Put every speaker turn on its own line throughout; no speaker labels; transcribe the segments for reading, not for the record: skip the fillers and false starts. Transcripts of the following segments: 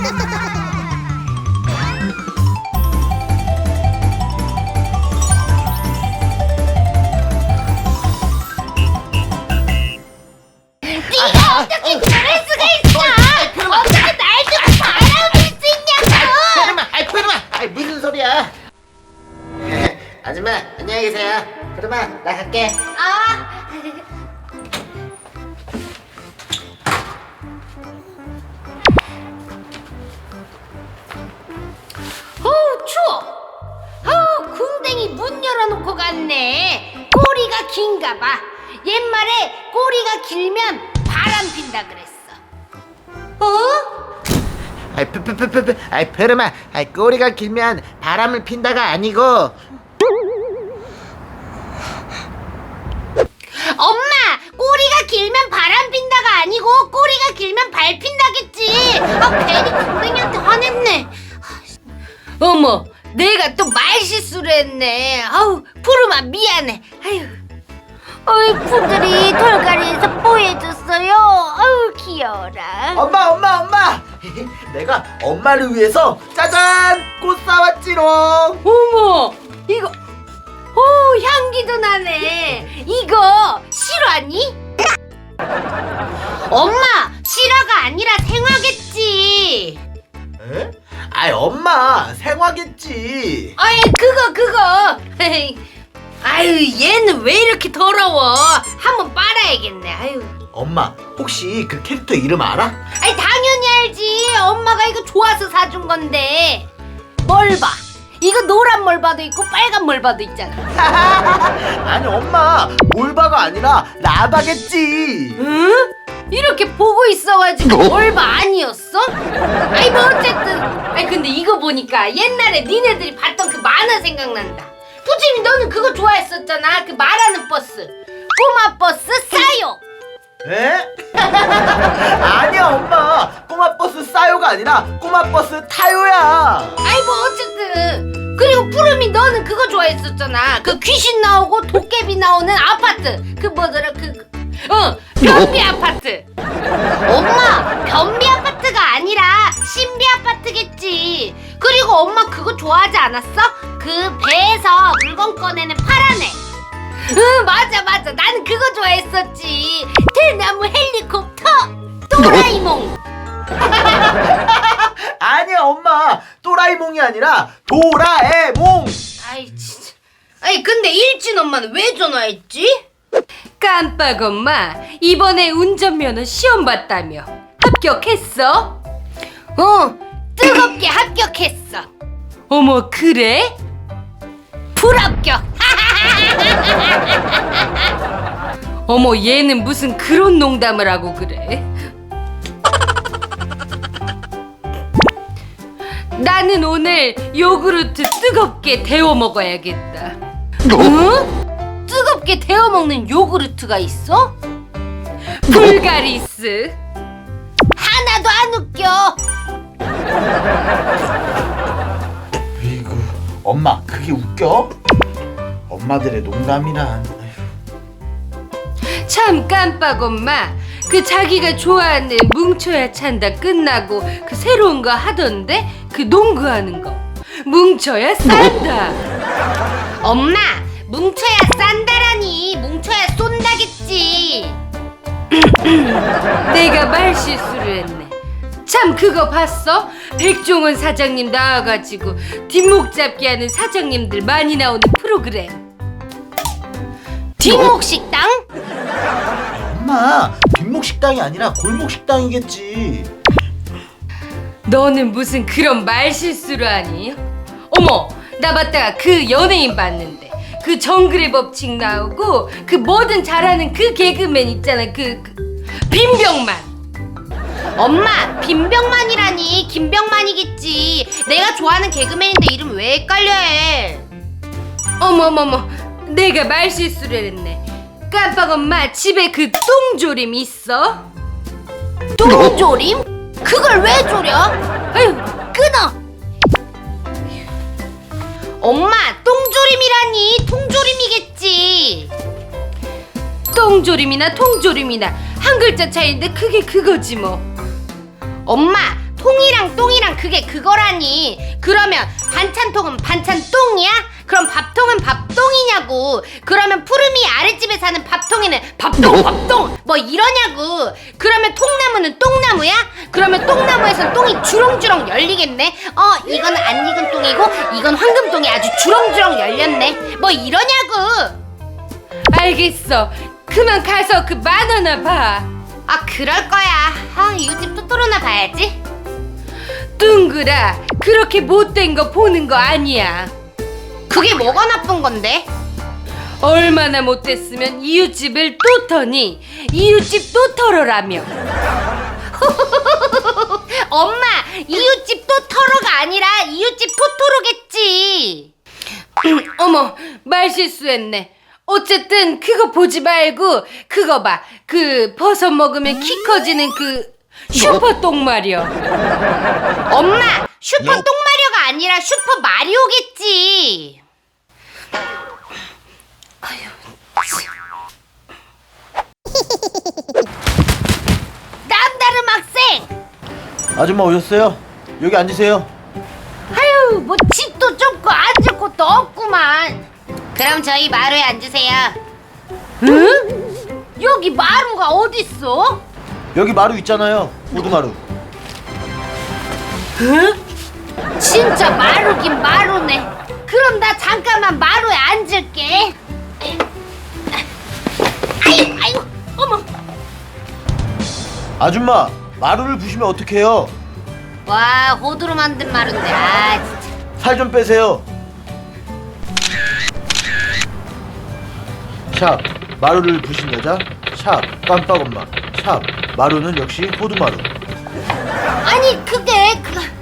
네가 어떻게 그럴 수가 있어? 어떻게 날 두고 바람을 수 있냐고!
그러마, 무슨 소리야? 아줌마, 안녕히 계세요. 그러마, 나 갈게.
아, 추워. 궁뎅이 문 열어놓고 갔네. 꼬리가 긴가 봐. 옛말에 꼬리가 길면 바람 핀다 그랬어.
페르마, 꼬리가 길면 바람을 핀다가 아니고.
엄마, 꼬리가 길면 바람 핀다가 아니고 꼬리가 길면 발 핀다겠지. 괜히 궁뎅이한테 화냈네. 어머, 내가 또 말 실수를 했네. 푸르마 미안해. 푸들이 털갈이에서 뽀해줬어요. 귀여워라.
엄마! 내가 엄마를 위해서 짜잔! 꽃 사왔지롱!
어머, 이거 향기도 나네. 이거 실화니? 엄마, 실화가 아니라 생화겠지.
에? 엄마, 생화겠지.
그거. 얘는 왜 이렇게 더러워? 한번 빨아야겠네.
엄마, 혹시 그 캐릭터 이름 알아?
당연히 알지. 엄마가 이거 좋아서 사준 건데. 멀바. 이거 노란 멀바도 있고 빨간 멀바도 있잖아.
아니 엄마, 몰바가 아니라 라바겠지.
응? 이렇게 보고 있어가지고 멀바 아니었어? 뭐 어쨌든. 근데 이거 보니까 옛날에 니네들이 봤던 그 만화 생각난다. 푸짐이 너는 그거 좋아했었잖아. 그 말하는 버스. 꼬마 버스 싸요.
에? 아니야 엄마, 꼬마 버스 싸요가 아니라 꼬마 버스 타요야.
어쨌든. 그리고 푸름이 너는 그거 좋아했었잖아. 그 귀신 나오고 도깨비 나오는 아파트. 그 뭐더라 변비 아파트. 엄마, 변비 아파트가 아니라 신비 아파트겠지. 그리고 엄마 그거 좋아하지 않았어? 그 배에서 물건 꺼내는 파란 애. 맞아. 나는 그거 좋아했었지. 대나무 헬리콥터. 도라이몽.
아니야 엄마, 또라이몽이 아니라 도라에몽.
진짜. 근데 일진 엄마는 왜 전화했지?
깜빡 엄마, 이번에 운전면허 시험 봤다며. 합격했어?
뜨겁게 합격했어.
어머, 그래?
불합격.
어머, 얘는 무슨 그런 농담을 하고 그래? 나는 오늘 요구르트 뜨겁게 데워 먹어야겠다.
응? 뜨겁게 데워 먹는 요구르트가 있어?
불가리스.
하나도 안 웃겨.
에이구, 엄마 그게 웃겨? 엄마들의 농담이란.
참 깜빡 엄마, 그 자기가 좋아하는 뭉쳐야 찬다 끝나고 그 새로운 거 하던데, 그 농구하는 거. 뭉쳐야 싼다.
엄마, 뭉쳐야 싼다라니. 뭉쳐야 쏜다겠지.
내가 말 실수를 했네. 참, 그거 봤어? 백종원 사장님 나와가지고 뒷목 잡기 하는 사장님들 많이 나오는 프로그램.
뒷목 식당?
엄마, 뒷목 식당이 아니라 골목 식당이겠지.
너는 무슨 그런 말 실수를 하니? 어머, 나 봤다가 그 연예인 봤는데, 그 정글의 법칙 나오고 그 뭐든 잘하는 그 개그맨 있잖아. 그 빈병만.
엄마, 빈병만이라니. 김병만이겠지. 내가 좋아하는 개그맨인데 이름 왜 헷갈려 해?
어머머머, 내가 말 실수를 했네. 깜빡 엄마, 집에 그 똥조림 있어?
똥조림? 그걸 왜 조려? 아유, 끊어. 엄마, 똥조림이라니. 통조림이겠지.
똥조림이나 통조림이나 한 글자 차이인데 그게 그거지 뭐.
엄마, 통이랑 똥이랑 그게 그거라니. 그러면 반찬통은 반찬똥이야? 그럼 밥통은 밥똥이냐고. 그러면 푸름이 아랫집에 사는 밥통에는 밥똥 뭐 이러냐고. 그러면 통나무는 똥나무야? 그러면 똥나무에선 똥이 주렁주렁 열리겠네. 이건 안 익은 똥이고 이건 황금똥이 아주 주렁주렁 열렸네. 뭐 이러냐고.
알겠어. 그만 가서 그 만화나 봐.
그럴 거야. 이웃집 토토로나 봐야지.
둥그라, 그렇게 못된 거 보는 거 아니야.
그게 뭐가 나쁜 건데?
얼마나 못됐으면 이웃집을 또 터니 이웃집 또 털어라며.
엄마, 이웃집 토토로가 아니라 이웃집 토토로겠지.
어머, 말실수했네. 어쨌든 그거 보지 말고 그거 봐. 그 버섯 먹으면 키 커지는 그 슈퍼 똥마려.
엄마, 슈퍼 똥마리오가 아니라 슈퍼 마리오겠지. 남다른 학생.
아줌마 오셨어요? 여기 앉으세요.
아유, 뭐 집도 좁고 앉을 곳도 없구만. 그럼 저희 마루에 앉으세요. 응? 여기 마루가 어딨어?
여기 마루 있잖아요. 호두마루.
진짜 마루긴 마루네. 그럼 나 잠깐만 마루에 앉을게. 아유, 어머.
아줌마, 마루를 부시면 어떡해요?
와, 호두로 만든 마루인데. 진짜.
살 좀 빼세요. 샵, 마루를 부신 여자. 샵, 깜빡엄마. 샵, 마루는 역시 호두마루.
아니, 그게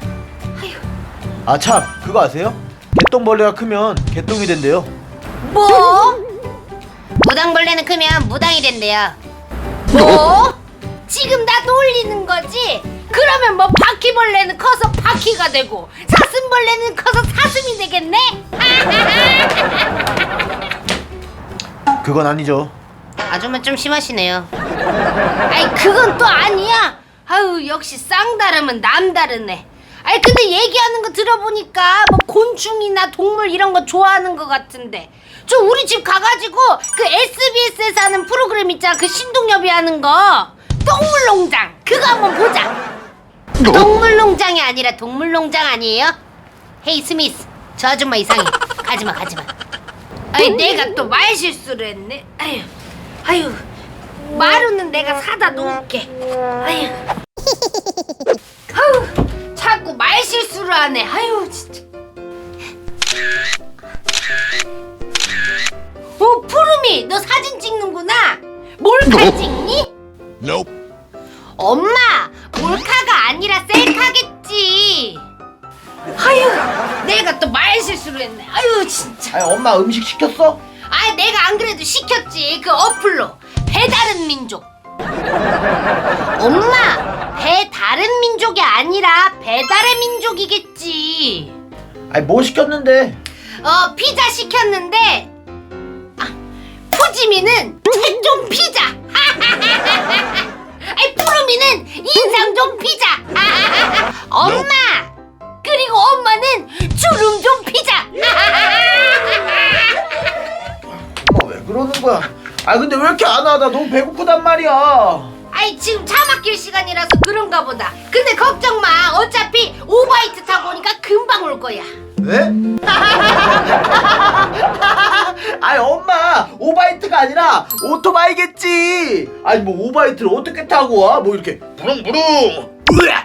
아 참, 그거 아세요? 개똥벌레가 크면 개똥이 된대요.
뭐? 무당벌레는 크면 무당이 된대요. 뭐? 지금 나 놀리는 거지? 그러면 뭐 바퀴벌레는 커서 바퀴가 되고 사슴벌레는 커서 사슴이 되겠네?
그건 아니죠.
아줌마 좀 심하시네요. 아이, 그건 또 아니야. 아유, 역시 쌍다름은 남다르네. 아이, 근데 얘기하는 거 들어보니까 뭐 곤충이나 동물 이런 거 좋아하는 것 같은데 저 우리 집 가가지고 그 SBS에서 하는 프로그램 있잖아. 그 신동엽이 하는 거 동물농장 그거 한번 보자. 동물농장이 아니라 동물농장 아니에요? 헤이 스미스, 저 아줌마 이상해. 가지마. 아이, 내가 또 말실수를 했네. 아유, 마루는 내가 사다 놓을게. 아유, 자꾸 말실수를 하네. 아유, 진짜. 푸름이, 너 사진 찍는구나. 몰카 찍니? 엄마, 몰카가 아니라 셀카겠지. 아유, 내가 또 말실수를 했네. 아유, 진짜.
아니, 엄마 음식 시켰어?
내가 안 그래도 시켰지. 그 어플로 배다른 민족. 엄마, 배다른 민족이 아니라 배달의 민족이겠지.
아니, 뭐 시켰는데?
피자 시켰는데 푸지미는 최종 피자. 푸르미는 인상종 피자. 엄마, 그리고 엄마는 주름종 피자.
엄마 왜 그러는 거야? 아 근데 왜 이렇게 안 와? 나 너무 배고프단 말이야.
지금 차 막힐 시간이라서 그런가 보다. 근데 걱정 마. 어차피 오바이트 타고 오니까 금방 올 거야.
왜? 아니 엄마, 오바이트가 아니라 오토바이겠지. 아니 뭐 오바이트를 어떻게 타고 와? 뭐 이렇게 부릉부릉 우락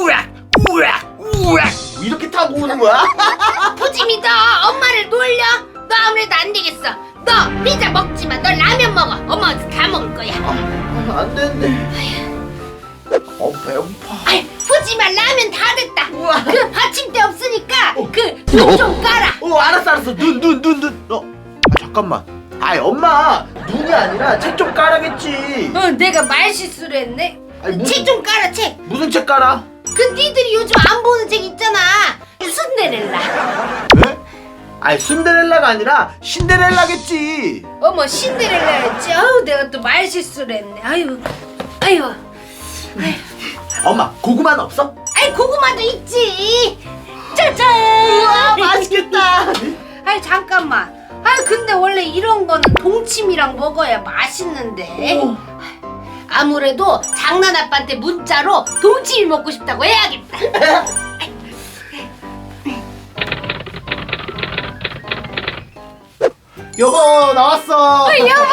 이렇게 타고 오는 거야?
푸짐이, 너 엄마를 놀려? 너 아무래도 안 되겠어. 너 피자 먹지 마. 너 라면 먹어. 엄마 다 먹을 거야.
안 되는데. 배고파.
푸짐아, 라면 다 됐다.
우와.
그 받침대 없으니까 그 눈 좀 깔아.
알았어. 눈. 잠깐만. 아이 엄마, 눈이 아니라 책 좀 깔아겠지.
내가 말실수를 했네.
아니,
책 좀 깔아, 책.
무슨 책 깔아?
그 니들이 요즘 안 보는 책 있잖아. 순데렐라.
왜? 아니 순데렐라가 아니라 신데렐라겠지.
어머, 신데렐라였지. 아유, 내가 또 말실수를 했네. 아유.
엄마, 고구마는 없어?
아이 고구마도 있지. 짜잔.
우와 맛있겠다.
아이 잠깐만. 아이 근데 원래 이런 거는 동치미랑 먹어야 맛있는데. 아무래도 장난 아빠한테 문자로 동치미 먹고 싶다고 해야겠다.
여보 나왔어.
여보.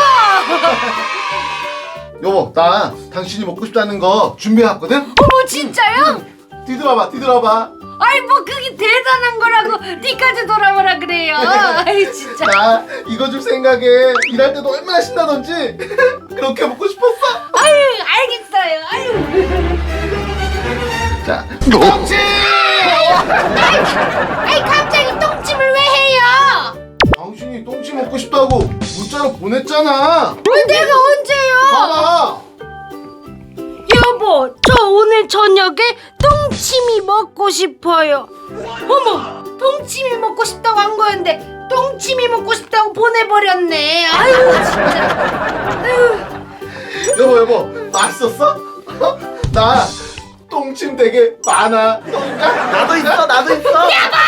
여보 나 당신이 먹고 싶다는 거 준비해왔거든.
어머 진짜요?
뒤돌아봐 뒤돌아봐.
아이 뭐 그게 대단한 거라고 니까지 돌아보라 그래요. 아이 진짜.
나 이거 줄 생각에 일할 때도 얼마나 신나던지 그렇게 먹고 싶었어.
아유 알겠어요. 아유.
자 똥침.
아이 갑자기 똥찜을 왜 해요?
당신이 똥침 먹고 싶다고 문자로 보냈잖아.
내가 언제요?
봐봐.
여보, 저 오늘 저녁에 똥침이 먹고 싶어요. 어머, 똥침이 먹고 싶다고 한 거였는데 똥침이 먹고 싶다고 보내버렸네. 아유 진짜. 아유.
여보 맛있었어? 나 똥침 되게 많아.
나도 있어 나도 있어.
여보,